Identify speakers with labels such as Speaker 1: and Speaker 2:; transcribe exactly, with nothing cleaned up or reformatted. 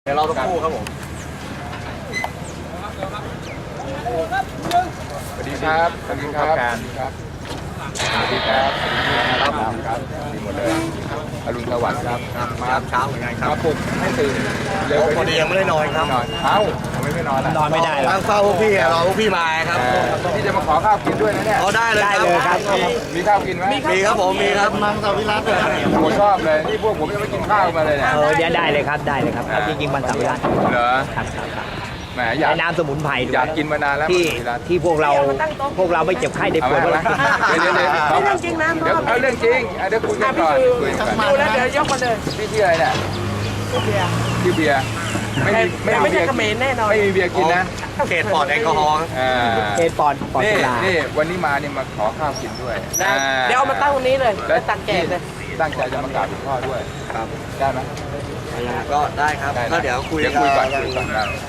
Speaker 1: ดี๋ยวเราต้องคู่ครับผม
Speaker 2: สวัสดีครับสวัสดีครับสวัสดีครับสวัสดีครับครับครับดีหมดเลยอรุณสวัสดิ์ครับ
Speaker 1: มาเช้าเหมือนกันครับ
Speaker 2: มาปลุกให้ตื่นเร็ว
Speaker 1: พอดียังไม่ได้นอนครับ
Speaker 2: นอนเอ้าทำไมไม่นอนล่ะ
Speaker 3: นอนไม่ได้หรอก
Speaker 1: นั่งเฝ้าพวกพี่รอพวกพี่มาครับ
Speaker 2: พี่จะมาขอข้าวกินด้วยนะเนี่ย
Speaker 1: เอาได้เลย
Speaker 3: ได้
Speaker 1: ครับ
Speaker 3: เลยครับ
Speaker 2: มีข้าวกินไหม
Speaker 1: มีครับผมมีครับมังสวิรัต
Speaker 2: ผมชอบเลยนี่พวกผมยังไม่กินข้าวมาเลยเนี่ย
Speaker 3: เออเดี๋ยวได้เลยครับได้เลยครับเอาจริงๆมันสำคัญ
Speaker 2: เหรอ
Speaker 3: ครับครับครับ
Speaker 2: แหมอยาก
Speaker 3: ในน้ำสมุนไพรด้วย
Speaker 2: อยากกินมานานแล้ว
Speaker 3: ที่
Speaker 2: มังสวิรัติ
Speaker 3: ที่พวกเราพวกเราไม่เจ็บไข้ได้
Speaker 2: เอา
Speaker 3: ป่วย
Speaker 2: ไหมเดี๋ยวเดี๋ยวเดี๋ยว
Speaker 4: เรื่องจริงนะ
Speaker 2: เดี๋ยวเอาเรื่องจริงอ่ะเดี๋ยวคุยกันก่อนคุยกันก่อน
Speaker 4: ดูแล้วเดี๋ยวยกมาเลย
Speaker 2: พี่ชื่ออะไรเนี่ย
Speaker 4: เบียร์
Speaker 2: ชื่อเบียร์ไม่มี
Speaker 4: แต่ไม่ใช่เขมรแน่นอน
Speaker 2: ไม่มีเบียร์กินนะ
Speaker 1: เขตปลอดแอลกอฮอล์
Speaker 2: อ่า
Speaker 3: เกณฑ์ปอนปอน
Speaker 2: นี่
Speaker 3: สุรา
Speaker 2: นี่วันนี้มาเนี่ยมาขอข้าวกินด้วย
Speaker 4: ได้เดี๋ยวเอามาตั้งตรงนี้เลย
Speaker 2: แล้
Speaker 4: แล้ว วตักแจกเลย
Speaker 2: ตั้งใจจะมากราบหลวงพ่อด้วย
Speaker 1: ครับ
Speaker 2: ได้ไหม
Speaker 1: ก็ได้ครับ
Speaker 2: ได้นะ
Speaker 1: ก็เดี๋ยวคุย
Speaker 2: เดี๋ยวคุยก่อนคุยก่อนได้